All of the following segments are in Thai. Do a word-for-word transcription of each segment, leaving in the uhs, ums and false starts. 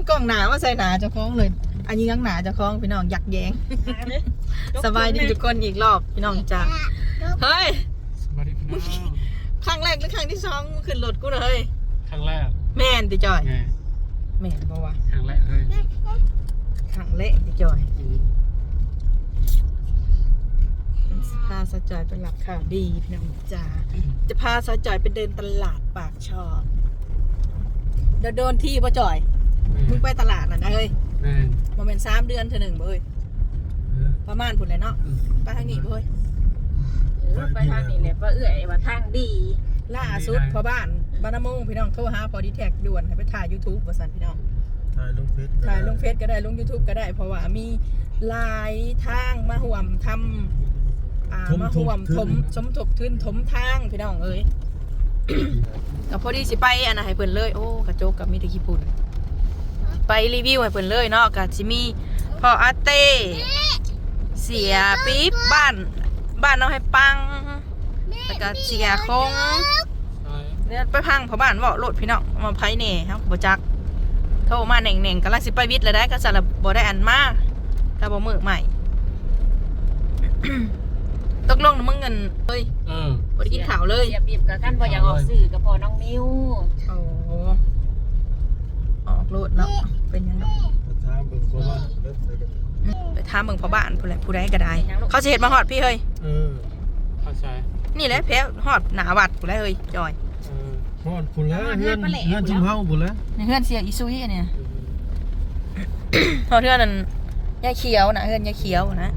กล้องหนามาใส่หนาเจ้าของเลยอันนี้งั้งหนาเจ้าของพี่น้องยักแยงสบายดีทุกคนอีกรอบพี่น้องจ้าเฮ้ยสวัสดีพี่น้องครั้งแรกหรือครั้งที่สองขึ้นรถกูเลยครั้งแรกแม่นติจอยไงแม่นเพราะว่าครั้งแรกเลยครั้งแรกติจอยพาสาวจอยไปหลับข่าวดีพี่น้องจ้าจะพาสาวจอยไปเดินตลาดปากช่อเดี๋ยวโดนที่ป่ะจอยมึงไปตลาดน่ะนะเฮ้ยโมเมนต์สามเดือนเธอหนึ่งเบ้ยประมาณผุนเลยเนาะไปทางนี้เบ้ยไปทางนี้เลยว่าเอื่อยว่าทางดีล่าสุดพอบ้านบ้านน้ำมงพี่น้องโทรหาพอดีแท็กด่วนให้ไปถ่าย ยูทูบ ว่าสันพี่น้องถ่ายลงเฟซถ่ายลงเฟซก็ได้ลง ยูทูบ ก็ได้เพราะว่ามีหลายทางมาห่วมทำอ่ามาห่วมถมสมทบทุนถมทางพี่น้องเอ้ยกับพอดีสิไปอันน่ะให้เพิ่นเลยโอ้กระโจกกับมีแต่ขี้ปุ่นไปรีวิวให้เพิ่นเลยเนาะกับสิมีพ่ออาเต้เสียปี๊บบ้านบ้านน้องให้ปังแล้วก็เสียคงเนี่ยไปพังเพราะบ้านว่าโหลดพี่น้องมาไพ่เน่ครับบ่จักโทรมาเน่งๆกำลังสิไปวิทย์เลยได้ก็สารบ่ได้อันมากแต่บ่มือใหม่ตกลงมึงเงินเฮ้ยบ่ได้กินข่าวเลยเสียบีบกับกันบ่อยากออกสื่อกับพอน้องนิ้วโอ้ออกโหลดเนาะเป็นยังไงไปถามเบิ่งพ่อบ้านผู้ใดผู้ใดก็ได้เขาสิเฮ็ดมาฮอดพี่เฮ้ยเออเข้าใจนี่แหละแพ้ฮอดหน้าวัดผู้ใดเฮ้ยจอยเออฮอดพุ่นแล้วเฮือนเฮือนจุ่มเฮาพุ่นแล้วนี่เฮือนเสียอีซุยเนี่ยฮอดเฮือนนั่นยายเขียวนะเฮือนยายเขียวนะ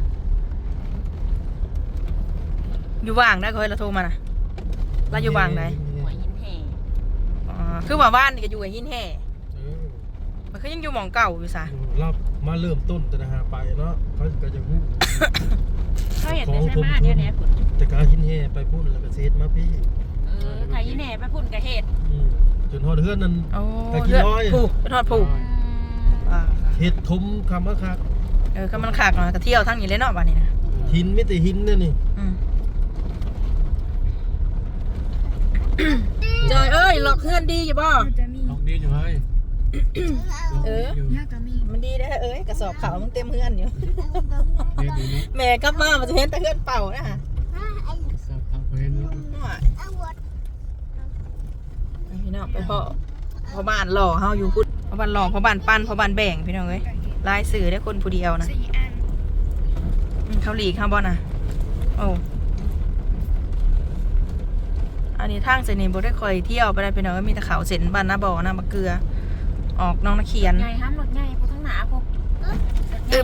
อยู่ว่างได้ก็เฮ้ยเราโทรมานะเราอยู่ว่างไหนหัวหินแห่อ๋อคือว่าบ้านนี่ก็อยู่กับหินแห่มันก็ยังอยู่หม่องเก่าอยู่ซะรับมาเริ่มต้นแต่หาไปเนาะเขาก็จะฮู้เขาเห็นได้ใช่ไหมเดี๋ยวนี้แต่การหินแห่ไปพุ่นแล้วก็เซตมาพี่เออไทยหินแห่ไปพุ่นกระเฮ็ดจนฮอดเฮือนนั่นตะกี้ร้อยผูกเป็นฮอดผูกเฮ็ดทมคำว่าคักเออก็มันคักเนาะก็เที่ยวทั้งนี้เลยเนาะบ้านนี้นะหินมีแต่หินเนี่ยนี่จอยเอ้ยหลอกเพื่อนดีอยู่บ่ลองดีอยู่เฮ้ยเออมันดีได้เอ้ยกระสอบขาวมันเต็มเพื่อนอยู่แม่กลับมามันจะเห็นแต่เพื่อนเป่านะฮะพี่น้องไปพ่อพ่อบ้านหล่อเฮาอยู่พุทธพ่อบ้านหล่อพ่อบ้านปั้นพ่อบ้านแบ่งพี่น้องเอ้ยลายสื่อได้คนผู้เดียวนะเขาหลีกข้างบนนะโอ้อันนี้ทางเส้นนี้บ่ได้คอยเที่ยวไปได้พี่น้องมีแต่เขาเส้นบ้านนาบ่อนาบะเกลือออกน้องนักเขียนใหญ่ห้ามรถใหญ่พวกทั้งหนาพวกอึบ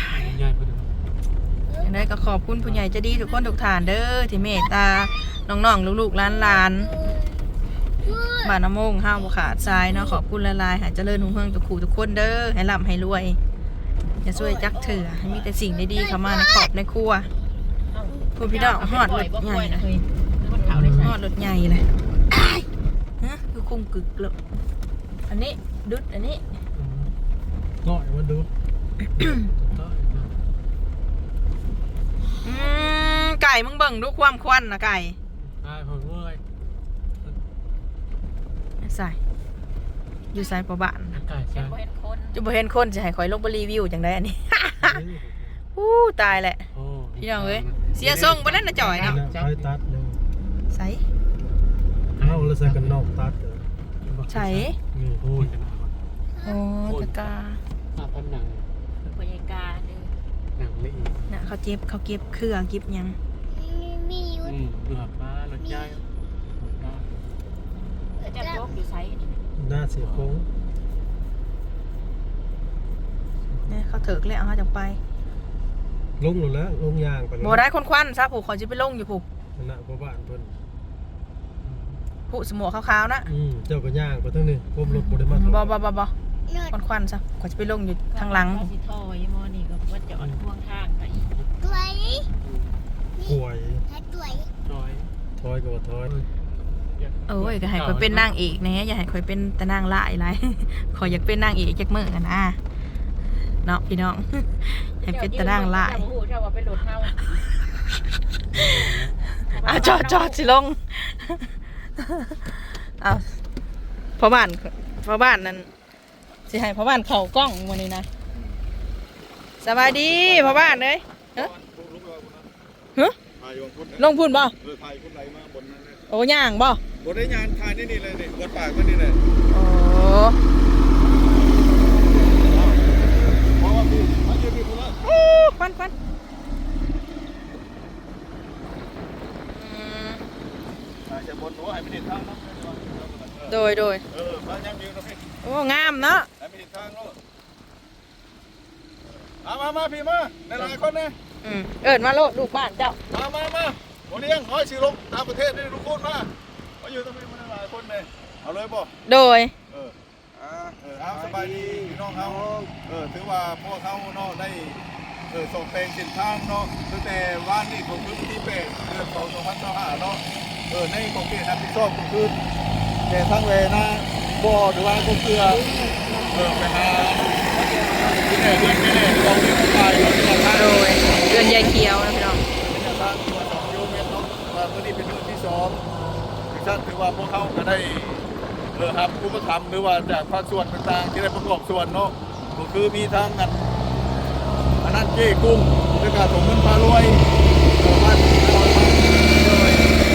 อย่างไรก็ขอบคุณผู้ใหญ่ใจดีทุกคนทุกฐานเด้อที่เมตตาน้องๆลูกๆหลานๆบ้านน้ำมงห้าวบุขาดทรายเนาะขอบคุณละลายหายเจริญหุ่งเฮืองทุกคู่ทุกคนเด้อให้ร่ำให้รวยอย่าช่วยจักเถื่อให้มีแต่สิ่งดีๆเข้ามาในขอบในครัวคุณพี่น้องหอดรถใหญ่นะหอดรถใหญ่เลยฮะคือคุ้มกึกเลยอันนี้ดุดอันนี้ก้อยมันดุดไก่มึงเบิ่งดูความควันนะไก่ใช่ผมเว้ยใส่อยู่ใส่ประบานไก่ใช่จะบ่เห็นคนจะให้คอยลงไปรีวิวจังได้อันนี้อู้ตายแหละพี่น้องเอ้ยเสียทรงไปนั่นนะจ่อยเนาะใช้ตัดเลยใส่เอาแล้วใส่กันนอกตัดใส่โอ้ยโอ้ตะกาพันหนังพยากาเด้อหนังเละน่ะเขาเจ็บเขาเก็บเครื่องเก็บยังมีอยู่อืมดูหับป้ารถใหญ่จะโยกอยู่ไซส์นี่หน้าเสียโค้งเนี่ยเขาเถิกแล้วเขาจะไปลงหมดแล้วลงยางไปโบได้คนควันซะผูกเขาจะไปลงอยู่ผูกหน้าพ่อบ้านเพิ่นผูสมอขาวๆนะอืมเจ้าก็ย่างไปทั้งนี้ก้มรถบ่ได้มาบ่บ่บ่บ่คนควันซะเขาจะไปลงอยู่ทางหลังสิทอยมอนี่ก็ว่าจะอ่อนพ่วงทางไปถอยถอยถอยถอยถอยก็ว่าถอยเอ้ยก็ให้คอยเป็นนางเอกนะอย่าให้คอยเป็นแต่นางร้ายไรคอยอยากเป็นนางเอกจักมื้อกันนะเนาะพี่น้องให้เป็นแต่นางร้ายอ่ะจอดจอดสิลงเอาพ่อบ้านพ่อบ้านนั้นสิให้พ่อบ้านเข้ากล้องวันนี้นะสบายดีพ่อบ้านเลยเฮ้ยฮะลงพุ่นบ่เออถ่ายคนไหลมาบนนั้นเลยโอ้ย่างบ่บนได้งานถ่ายนี่นี่เลยนี่บนปากมันนี่เลยโอ้เพราะว่าพี่มาเจอพี่คนละโอ้ควันควันอืมถ่ายจากบนหัวให้ไม่เห็นทางนะโดยโดยเออมาย้ำยืนนะพี่โอ้งามเนาะให้ไม่เห็นทางเนาะมามามาพี่มาในหลายคนนะอืมเอิญมาโลดลูกบ้านเจ้ามามามาโมเลี้ยงน้อยสิลงตามประเทศนี่ทุกคนมามาอยู่ตรงนี้มาหลายคนเลยเอาเลยบ่โดยเอออ่าเออเอาสบายดีพี่น้องเขาเออถือว่าพวกเขาเนาะได้เออส่งเพลงสินทางเนาะตั้งแต่วันนี้ของพื้นที่เป็ดเดือนสองสองพันสิบห้าเนาะเออในของเขตรับผิดชอบก็คือแต่ทั้งเวนะบ่อหรือว่าก็เกลือเออไปหาที่ไหนที่ไหนลองเรียนไปเราจะทางโดยเดือนยายเขียวนะพี่น้องเป็นทางตัวสองกิโลเมตรเนาะว่าเมื่อนี้เป็นเดือนที่สองดิฉันถือว่าพวกเขาก็ได้ เออครับผู้ประทำหรือว่าจากภาคส่วนต่างๆที่ได้ประกอบส่วนเนาะก็คือมีทั้งกันอันนั้นเก้กุ้งด้วยการส่งเงินพารวยเออบ้านเราเลย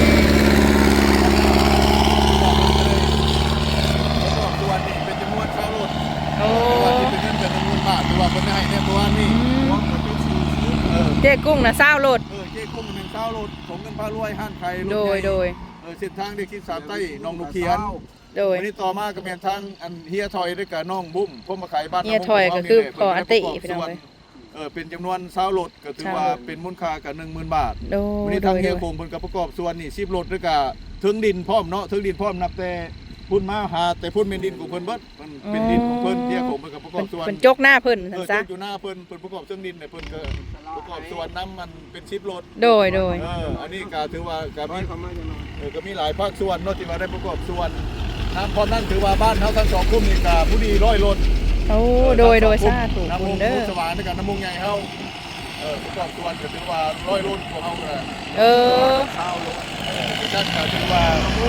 ประกอบส่วนนี่เป็นจำนวนค่ารถโอ้ว่าที่เป็นเงินเป็นจำนวนบาทหรือว่าคนให้เนี่ยตัวนี้รวมกันเป็นสี่สิบเออเจ๊กุ้งนะเศร้าโลดเออเก้กุ้งหนึ่งค่ารถส่งเงินพารวยห้างไทยรถโดใหยญ่โดยเออเส้นทางเด็กที่สามใต้หนองนุเขียนโดยวันนี้ต่อมาก็เป็นทางอันเฮียทอยด้วยกับน้องบุ้มพวกมาขายบ้านเฮียทอยก็คือขออติพี่น้องส่วนเอ้ยเออเป็นจำนวนเศร้ารถก็ถือว่าเศร้ารถเป็นมูลค่ากับหนึ่งหมื่นบาทโดวันยนี้โดทางยเฮียโดยคงเพิ่นก็ประกอบส่วนนี่สิบรถด้วยกับถึงดินพร้อมเนาะถึงดินพร้อมนับแต่พุ่นมาหาแต่พุ่นเป็นดินของเพิ่นเบิดมันเป็นดินของเพิ่นเฮียคงเพิ่นก็ประกอบส่วนเป็นจกหน้าเพิ่นเอนั่นอซะเจ้าอยู่หน้าเพิ่นเพิ่นประกอบเครื่องดินเนี่ยเพิ่นก็ประกอบส่วนน้ำมันเป็นสิบรถโดยโดยเอออันนี้ก็ถือว่าก็มีเออก็มีหลายภาคส่วนเนาะที่มาได้ประกอบส่วนน้ำพอนั่นถือว่าบ้านเขาทั้งสองกลุ่มนี่ก็ผู้ดีร้อยรถโอ้โดยโดยสาธุน้ำคุมุณงเด้อสว่างด้วยกันน้ำมุงใหญ่เขาเออประกอบส่วนก็ถือว่าร้อยรถของเขาเลยเออข้าวรถเออด้านก็ถือว่า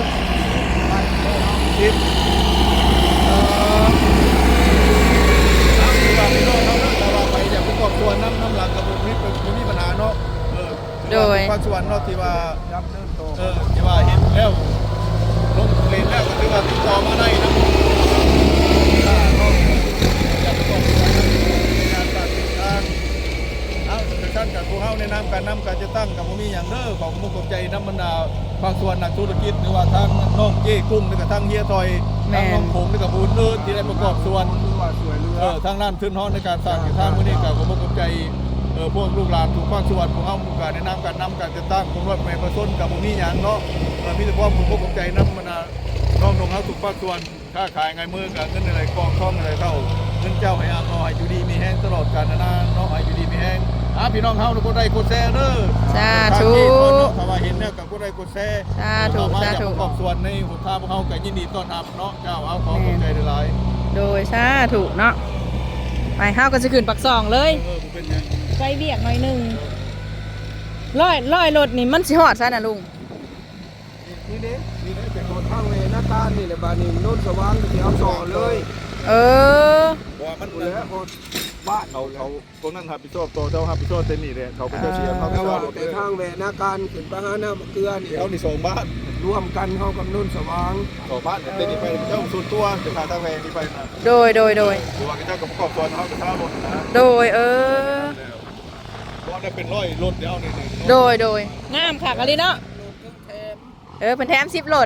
ทิพย์เออน้ำถือว่าไม่น้อยเขาเนาะแต่ว่าไปจากประกอบส่วนน้ำน้ำหลังกับบุมีบุมีปัญหาเนาะเออถือว่าเป็นภาคส่วนเนาะที่ว่า เออที่ว่าเห็นแล้วลงเรียนแล้วก็ถือว่าติดต่อมาได้นะถ้าเขาอยากจะต้องงานการติดทางเอาแต่ท่านกับผู้เฮาในนามการนำการจะตั้งกับมีอย่างเด้อของมุกใจน้ำมันดาภาคส่วนนักธุรกิจหรือว่าทางน้องเจ้กุ้งหรือกับทางเฮียทอยทางน้องผงหรือกับบูนเอิร์ที่ได้ประกอบส่วนเออทางด้านทึนฮ้อนในการสร้างอยู่ทางมื้อนี้กับมุกใจเออพวกลูกหลานถูกภาคส่วนผู้เฮามุกการในนามการนำการจะตั้งของรถแม่ประชนกับมีอย่างเนาะ เออมีแต่ความมุกใจน้ำมันนะน้องนงเขาถูกภาคส่วนค้าขายไงมือกับเงินอะไรกองท่องอะไรเท่าเงินเจ้าให้อาเนาะให้อยู่ดีมีแห้งตลอดกาลนะนะเนาะให้อยู่ดีมีแห้งอ่ะพี่น้องเฮาทุกคนได้กดแชร์เด้อสาธุถ้าว่าเห็นเนี่ยกับก็ได้กดแชร์สาธุมาสาจากธุประกอบส่วนในหุนทางพวกเขาก็ยินดีต้อนรับเนาะเจ้าเอาขอขอบใจหลายโดยสาธุเนาะไปเฮาก็จะขึ้นปักซองเลๆเอย อผมเป็นยังไปเบียกหน่อยหนึงร้อยร้อยรถนี่มันสิฮอดซะน่ะลุงนี่เด้นี่เด้เป็นรถทางเวหน้าตานี่แหละบานี้โน่นสว่างก็สิเอาต่อเลยเออเพราะว่ามันดูแลคนบ้านเขาเขาพวกนั้นรับผิดชอบตัวเจ้ารับผิดชอบเต็มนี่เลยเขาก็จะเสียเขาก็แต่จะว่าเอาแต่ทางเวหน้าการขึ้นไปหาหน้าเกลือนี่เขานี่ส่งบ้านร่วมกันเฮากับโน่นสว่างต่อบ้านเต็มนี่ไปเจ้าส่วนตัวจะขาดทางแพงนี่ไปนะโดยโดยโดยหรือว่าเจ้ากับประกอบส่วนเขาจะเท่ารถนะโดยเออเพราะได้เป็นร้อยรถเดียวนี่โดยโดยงามค่ะกะลิเนาะเออเป็นแถมสิบรถ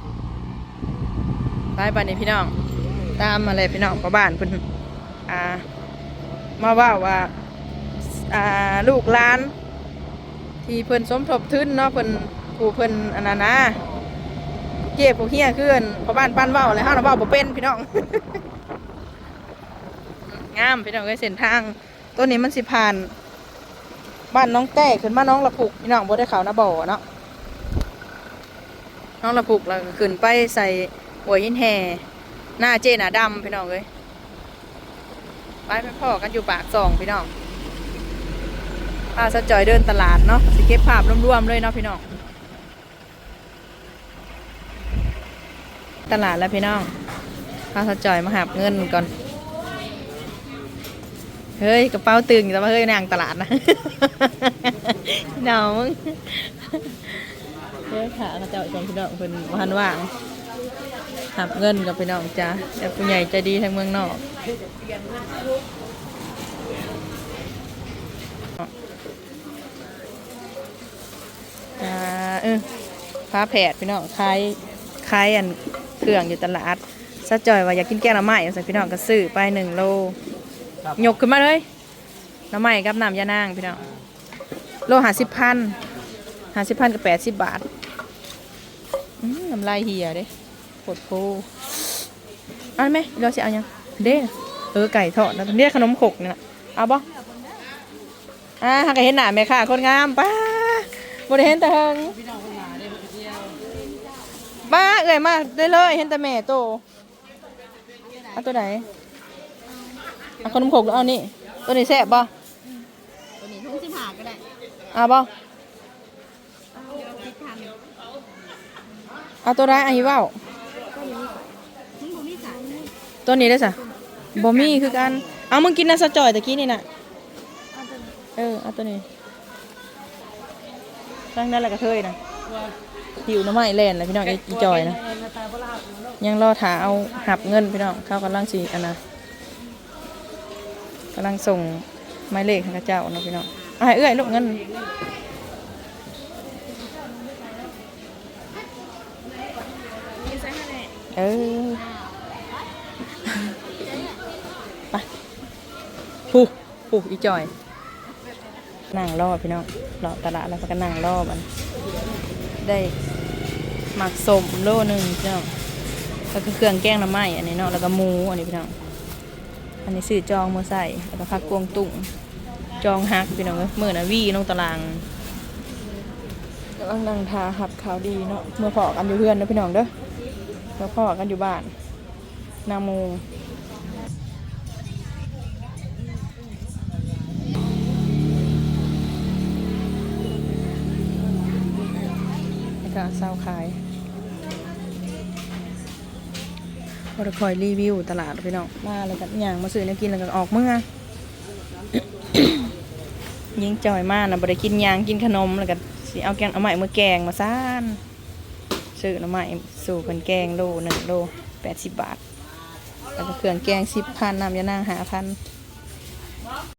ไปบ้านนี้พี่น้องตามมาเลยพี่น้องพ่อบ้านเพิ่นอ่ามาว่าว่าอ่าลูกหลานที่เพิ่นสมทบทุนเนาะเพิ่นผู้เพิ่นอันนั้นนะเก็บพวกเฮียคืออันพ่อบ้านปั้นเว้าอะไรเฮาน่ะเว้าบ่เป็นพี่น้อง งามพี่น้องเอ้ยเส้นทางตัวนี้มันสิผ่านบ้านน้องแต้ขึ้นมาน้องละปุกพี่น้องบ่ได้เขานะบ่อเนาะน้องละปุกแล้วก็ขึ้นไปใส่หัวหินแห่หน้าเจหน้าดำพี่น้องเอ้ยไปไปพ่อกันอยู่ปากซองพี่น้องพาสะจอยเดินตลาดเนาะสิเก็บภาพรวมๆเลยเนาะพี่น้องตลาดแล้วพี่น้องพาสะจอยมาหาเงินก่อนเฮ้ยกระเป๋าตึงแต่ว่าเฮ้ยนางตลาดนะ เดามึงเฮ้ยขาเขาเจ้าชมพี่น้องเพิ่นพันว่างหับเงินกับพี่น้องจ้าแต่ผู้ใหญ่ใจดีทางเมืองนอกอ่าเออฟ้าแผดพี่น้องคล้ายคล้ายอันเครื่องอยู่ตลาดซะจ่อยว่าอยากกินแกงหน่อไม้ใส่พี่น้องก็ซื้อไปหนึ่งโลยกขึ้นมาเลยหน่อไม้กับน้ำยานางพี่น้องโลหาสิบพันหาสิบพันกับแปดสิบบาทอืมน้ำลายเหี่ยเด้ปวดโพเอาไหมเราจะเอายังเด้เออไก่ทอดแล้วเนี่ยขนมขกเนี่ยเอาบ่อ่าหากเห็นหน้าแม่ค่ะคนงามป้าบ่ได้เห็นแต่เฮิงบ้าเอ่ยมาได้เลยเห็นแต่แม่โตเอาตัวไหนเอาขนมขกเอานี่ตัวนี้แซ่บบ่ตัวนี้ทุ่งสิบห้าก็ได้เอาบ่เอาตัวไหนอันนี้เว้าตัวนี้ได้สะบ่มีคือกันเอามึงกินน่ะสะจ่อยตะกี้นี่น่ะเออเอาตัวนี้ตั้งนั่นแหละกระเทยนะหิวน้ำไม้แล่นเลยพี่น้องอีจอยนะยังรอถาเอาหับเงินพี่น้องเข้ากำลังสีอันนะกำลังส่งไม้เลขให้ข้าเจ้าเนาะพี่น้องอ่ะเอื้อยลูกเงินเออไปผู้ผู้อีจอยนั่งรอพี่น้องรอตลาดแล้วก็นั่งรอมันได้หมักสมโลหนึ่งพี่น้องแล้วก็เครื่องแกงน้ำไหม้อันนี้เนาะแล้วก็หมูอันนี้พี่น้องอันนี้ซื้อจองมาใส่แล้วก็ผักกวงตุ้งจองฮักพี่น้องเมื่อน่ะวี่น้องตารางกำลังนั่งทาหับขาวดีเนาะเมื่อพอกันอยู่เพื่อนนะพี่น้องเด้อเมื่อพอกันอยู่บ้านนาโมก็เศร้าขายเราคอยรีวิวตลาดพี่น้องมาแล้วกันอย่างมาซื้อเนี่ยกินแล้วก็ออกเมื่อ ยิงจอยมากนะบ่ได้กินยางกินขนมแล้วก็สิเอาแกงเอาใหม่มือแกงมาซ่านซื้อเอาใหม่สู่คนแกงโลหนึ่งโลแปดสิบบาทแล้วก็เครื่องแกงสิบพันน้ำยานางหาพัน